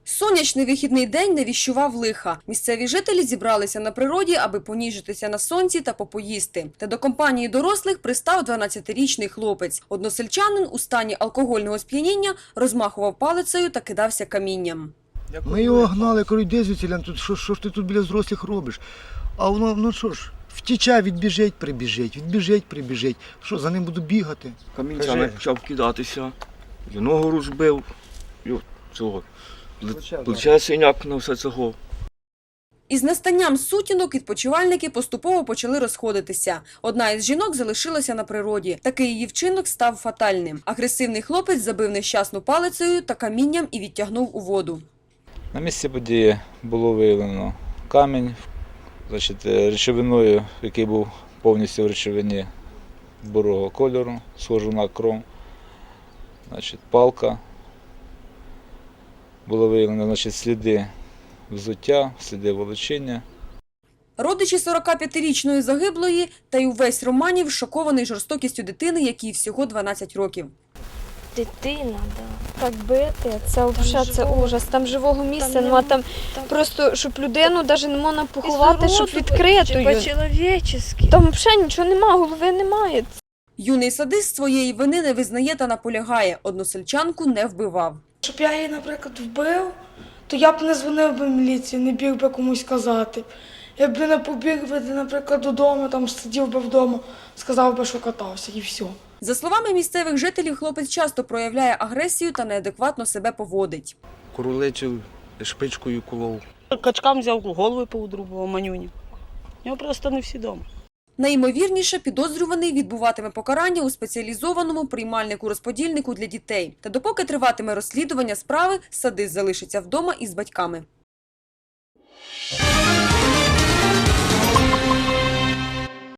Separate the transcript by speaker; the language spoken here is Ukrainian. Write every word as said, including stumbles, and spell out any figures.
Speaker 1: Сонячний вихідний день не віщував лиха. Місцеві жителі зібралися на природі, аби поніжитися на сонці та попоїсти. Та до компанії дорослих пристав дванадцятирічний хлопець. Односельчанин у стані алкогольного сп'яніння розмахував палицею та кидався камінням.
Speaker 2: Ми його гнали, кажу, йди звідси, тут, що, що ж ти тут біля взрослих робиш? А воно, ну що ж, втіча, відбіжить, прибіжить, відбіжить, прибіжить. Що, за ним буду бігати?
Speaker 3: Камінцями почав кидатися, і ногу розбив, і цього. Плече синяк на все цього.
Speaker 1: Із настанням сутінок відпочивальники поступово почали розходитися. Одна із жінок залишилася на природі. Такий її вчинок став фатальним. Агресивний хлопець забив нещасну палицею та камінням і відтягнув у воду.
Speaker 4: На місці події було виявлено камінь, значить, речовиною, який був повністю в речовині бурого кольору, схожу на кров, значить, палка. Було виявлено, значить, сліди взуття, сліди волочіння.
Speaker 1: Родичі сорокап'ятирічної загиблої та й увесь Романів шокований жорстокістю дитини, якій всього дванадцять років.
Speaker 5: Дитина, да. Так бити, це взагалі це ужас. Там живого місця нема, там, там просто, щоб людину навіть не можна поховати, щоб відкритою.
Speaker 6: По-чоловічески.
Speaker 5: Там взагалі нічого немає, голови немає.
Speaker 1: Юний садист своєї вини не визнає та наполягає. Односельчанку не вбивав.
Speaker 6: Щоб я її, наприклад, вбив, то я б не дзвонив би міліції, не біг би комусь сказати. Я б не побіг би, наприклад, додому, там сидів би вдома, сказав би, що катався, і все.
Speaker 1: За словами місцевих жителів, хлопець часто проявляє агресію та неадекватно себе поводить.
Speaker 3: Куруличив, шпичкою колов.
Speaker 7: Качкам взяв, голови поудрубував манюні. У нього просто не всі вдома.
Speaker 1: Найімовірніше, підозрюваний відбуватиме покарання у спеціалізованому приймальнику-розподільнику для дітей. Та допоки триватиме розслідування справи, садист залишиться вдома із батьками.